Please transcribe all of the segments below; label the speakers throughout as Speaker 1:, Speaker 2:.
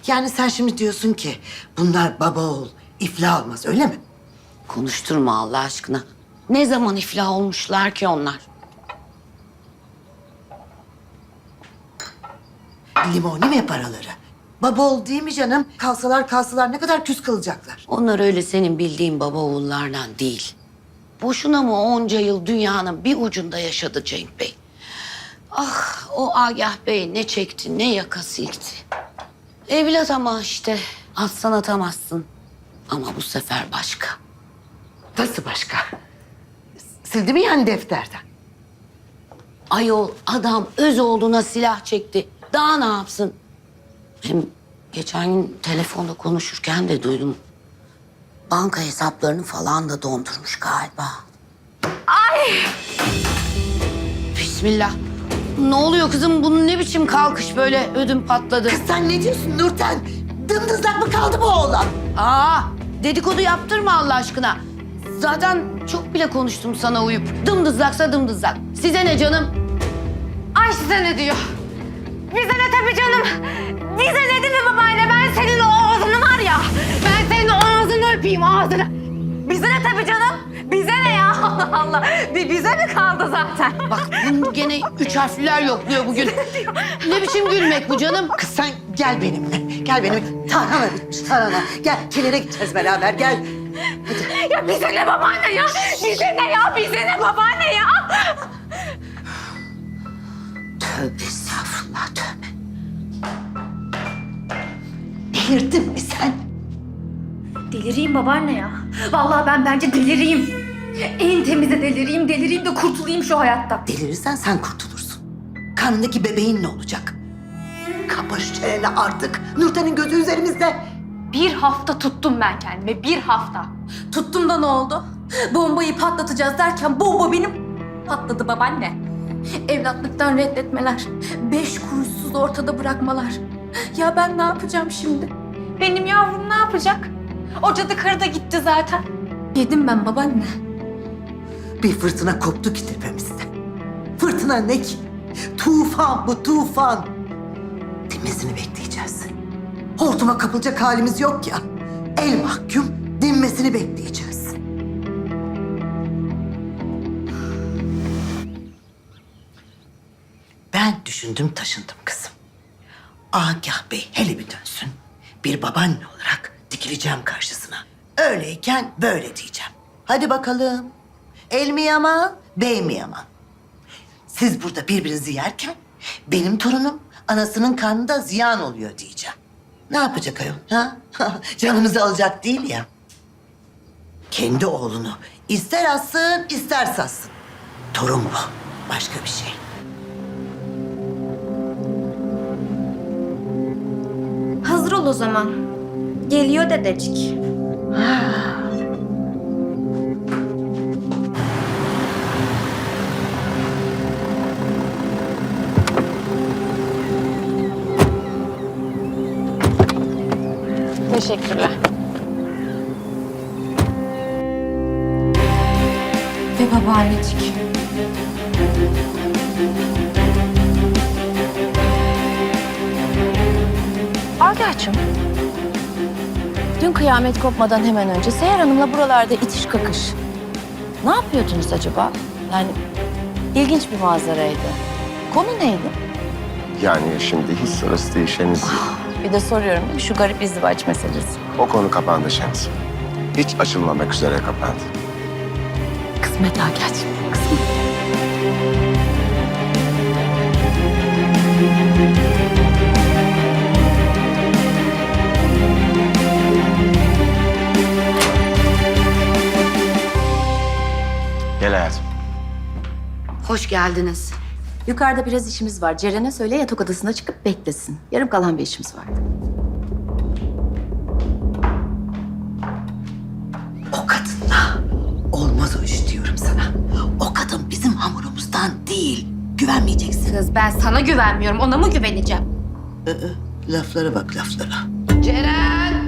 Speaker 1: Yani sen şimdi diyorsun ki bunlar baba oğul iflah olmaz öyle mi?
Speaker 2: Konuşturma Allah aşkına. Ne zaman iflah olmuşlar ki onlar?
Speaker 1: Limoni mi paraları? Baba oğul değil mi canım? Kalsalar ne kadar küs kalacaklar.
Speaker 2: Onlar öyle senin bildiğin baba oğullardan değil. Boşuna mı onca yıl dünyanın bir ucunda yaşadı Cenk Bey? Ah o Agah Bey ne çekti ne yaka silkti. Evlat ama işte atsan atamazsın. Ama bu sefer başka.
Speaker 1: Nasıl başka? Sildi mi yani defterden?
Speaker 2: Ayol adam öz oğluna silah çekti. Daha ne yapsın? Hem geçen gün telefonda konuşurken de duydum. Banka hesaplarını falan da dondurmuş galiba. Ay! Bismillah. Ne oluyor kızım? Bunun ne biçim kalkış böyle ödüm patladı.
Speaker 1: Kız sen ne diyorsun Nurten? Dımdızlak mı kaldı bu oğlan?
Speaker 2: Aa, dedikodu yaptırma Allah aşkına. Zaten çok bile konuştum sana uyup. Dımdızlaksa dımdızlak. Size ne canım?
Speaker 3: Ay size ne diyor? Bize ne tabii canım? Bize ne değil mi babaanne? Ben senin o ağzını var ya. Ben senin o ağzını öpeyim ağzını. Bize ne tabii canım? Bize ne ya? Allah Allah. Bize mi kaldı zaten?
Speaker 2: Bak bunu gene üç harfliler yokluyor bugün. Ne biçim gülmek bu canım?
Speaker 1: Kız sen gel benimle. Gel benimle. Tarhana bitmiş tarhana. Gel kilere gideceğiz beraber gel.
Speaker 3: Ya bize ne babaanne ya? Bize ne ya? Bize ne babaanne ya?
Speaker 2: Tövbe estağfurullah tövbe.
Speaker 1: Delirdin mi sen?
Speaker 3: Delireyim babaanne ya. Vallahi ben bence delireyim. En temize delireyim de kurtulayım şu hayattan.
Speaker 1: Delirirsen sen kurtulursun. Karnındaki bebeğin ne olacak? Kapa şu çeneni artık. Nurten'in gözü üzerimizde.
Speaker 3: Bir hafta tuttum ben kendime, bir hafta. Tuttum da ne oldu? Bombayı patlatacağız derken bomba benim patladı babaanne. Evlatlıktan reddetmeler, 5 kuruşsuz ortada bırakmalar. Ya ben ne yapacağım şimdi? Benim yavrum ne yapacak? O cadı karı da gitti zaten. Yedim ben babaanne.
Speaker 1: Bir fırtına koptu ki tepemizde. Fırtına ne ki? Tufan bu tufan. Dinmesini bekleyeceğiz. Hortuma kapılacak halimiz yok ya. El mahkum dinmesini bekleyeceğiz. Ben düşündüm taşındım kızım. Agah Bey hele bir dönsün. Bir babaanne olarak dikileceğim karşısına. Öyleyken böyle diyeceğim. Hadi bakalım. El mi yaman, bey mi yaman? Siz burada birbirinizi yerken benim torunum anasının karnında ziyan oluyor diyeceğim. Ne yapacak ayol? Ha? Canımızı alacak değil ya. Kendi oğlunu ister assın ister sassın. Torun bu. Başka bir şey.
Speaker 3: Hazır ol o zaman. Geliyor dedecik. Teşekkürler. Ve babaannecik.
Speaker 4: Agah'cığım, dün kıyamet kopmadan hemen önce Seher Hanım'la buralarda itiş kakış. Ne yapıyordunuz acaba? Yani ilginç bir manzaraydı. Konu neydi?
Speaker 5: Yani şimdi hiç sırası değil Şeniz.
Speaker 4: Bir de soruyorum değil mi? Şu garip izdivaç meselesi.
Speaker 5: O konu kapandı Şeniz. Hiç açılmamak üzere kapandı.
Speaker 4: Kısmet Agah'cığım, kısmet.
Speaker 5: Gel hayatım.
Speaker 2: Hoş geldiniz.
Speaker 4: Yukarıda biraz işimiz var. Ceren'e söyle yatak odasına çıkıp beklesin. Yarım kalan bir işimiz vardı.
Speaker 1: O kadınla olmaz o iş diyorum sana. O kadın bizim hamurumuzdan değil. Güvenmeyeceksin.
Speaker 3: Kız ben sana güvenmiyorum. Ona mı güveneceğim?
Speaker 1: Laflara bak laflara.
Speaker 2: Ceren!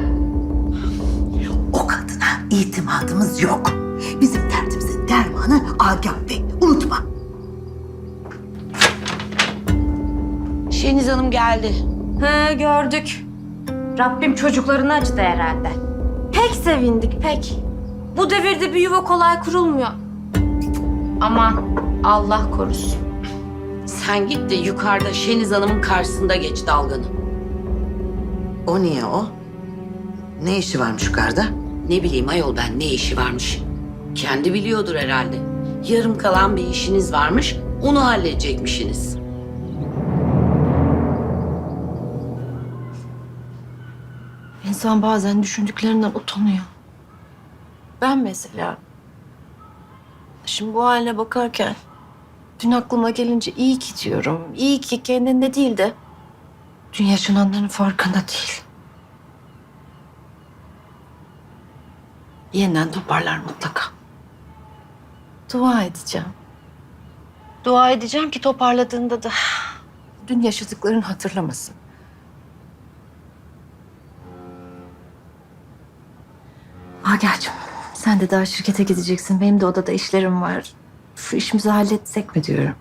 Speaker 1: O kadına itimadımız yok. Bizim derdimizin dermanı Agah Bey. Unutma.
Speaker 2: Şeniz Hanım geldi.
Speaker 3: Ha gördük. Rabbim çocuklarını acıdı herhalde. Pek sevindik, pek. Bu devirde bir yuva kolay kurulmuyor. Aman Allah korusun.
Speaker 2: Sen git de yukarıda Şeniz Hanım'ın karşısında geç dalganı.
Speaker 1: O niye o? Ne işi varmış yukarıda?
Speaker 2: Ne bileyim ayol ben ne işi varmış. Kendi biliyordur herhalde. Yarım kalan bir işiniz varmış, onu halledecekmişsiniz.
Speaker 4: İnsan bazen düşündüklerinden utanıyor. Ben mesela. Şimdi bu haline bakarken dün aklıma gelince iyi ki diyorum. İyi ki kendinde değil de dün yaşananların farkında değil. Yeniden toparlar mutlaka. Dua edeceğim. Dua edeceğim ki toparladığında da dün yaşadıklarını hatırlamasın. Agah'cığım sen de daha şirkete gideceksin. Benim de odada işlerim var. Şu işimizi halletsek mi diyorum.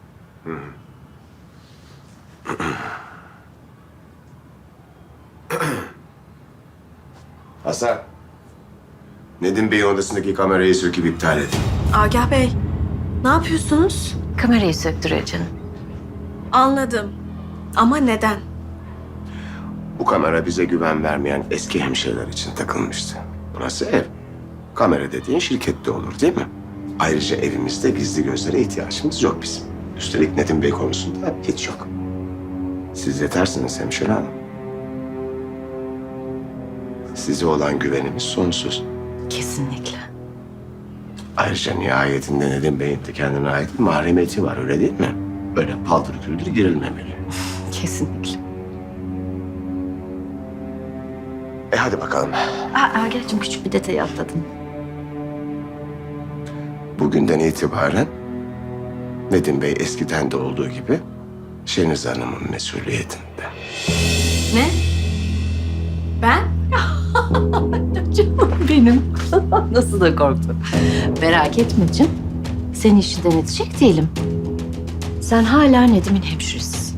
Speaker 5: Hasan. Nedim Bey'in odasındaki kamerayı söküp iptal edin.
Speaker 6: Agah Bey, ne yapıyorsunuz?
Speaker 4: Kamerayı söktürüyor canım.
Speaker 6: Anladım. Ama neden?
Speaker 5: Bu kamera bize güven vermeyen eski hemşireler için takılmıştı. Burası ev. Kamera dediğin şirkette olur değil mi? Ayrıca evimizde gizli gözlere ihtiyacımız yok bizim. Üstelik Nedim Bey konusunda hiç yok. Siz yetersiniz hemşire hanım. Size olan güvenimiz sonsuz.
Speaker 4: Kesinlikle.
Speaker 5: Ayrıca nihayetinde Nedim Bey'in de kendine ait bir mahremiyeti var öyle değil mi? Böyle paldır küldür girilmemeli.
Speaker 4: Kesinlikle.
Speaker 5: Hadi bakalım.
Speaker 4: Agah'cığım küçük bir detayı atladın.
Speaker 5: Bugünden itibaren Nedim Bey eskiden de olduğu gibi Şeniz Hanım'ın mesuliyetinde.
Speaker 6: Ne? Ben?
Speaker 4: Canım benim. Nasıl da korktum. Merak etme canım. Seni işinden edecek değilim. Sen hala Nedim'in hemşiresisin.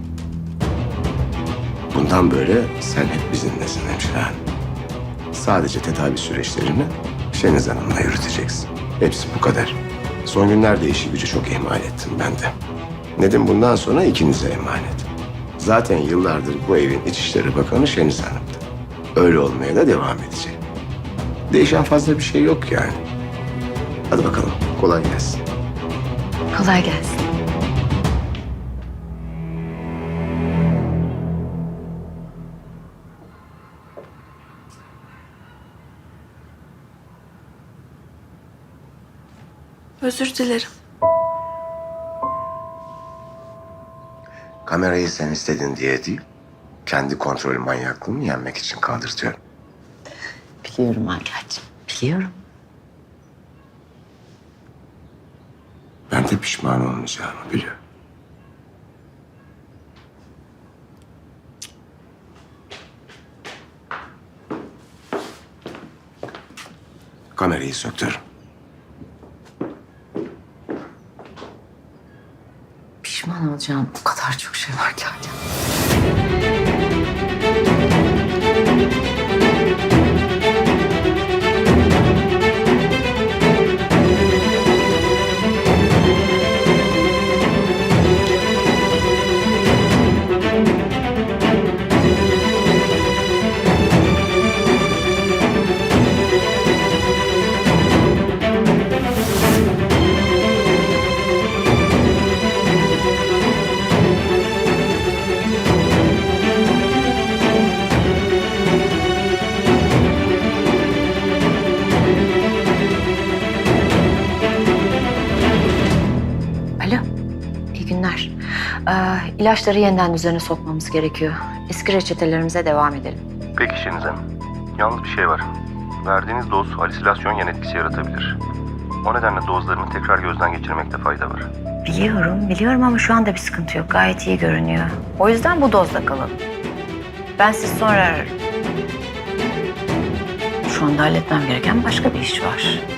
Speaker 5: Bundan böyle sen hep bizimlesin hemşire hanım. Sadece tedavi süreçlerini Şeniz Hanım'la yürüteceksin. Hepsi bu kadar. Son günlerde işi gücü çok ihmal ettim ben de. Nedim bundan sonra ikinize emanet. Zaten yıllardır bu evin İçişleri Bakanı Şeniz Hanım'dı. Öyle olmaya da devam edecek. Değişen fazla bir şey yok yani. Hadi bakalım, kolay gelsin.
Speaker 4: Kolay gelsin.
Speaker 6: Özür dilerim.
Speaker 5: Kamerayı sen istedin diye değil, kendi kontrol manyaklığımı yenmek için kaldırtıyorum.
Speaker 4: Biliyorum Agah'cığım. Biliyorum.
Speaker 5: Ben de pişman olmayacağımı biliyorum. Kamerayı söktür.
Speaker 4: Pişman olacağım. O kadar çok şey var ki Agah. Alo, iyi günler. İlaçları yeniden düzene sokmamız gerekiyor. Eski reçetelerimize devam edelim.
Speaker 7: Peki Şeniz Hanım. Yalnız bir şey var. Verdiğiniz doz halüsinasyon yan etkisi yaratabilir. O nedenle dozlarını tekrar gözden geçirmekte fayda var.
Speaker 4: Biliyorum ama şu anda bir sıkıntı yok. Gayet iyi görünüyor. O yüzden bu dozda kalalım. Ben sizi sonra ararım. Şu anda halletmem gereken başka bir iş var.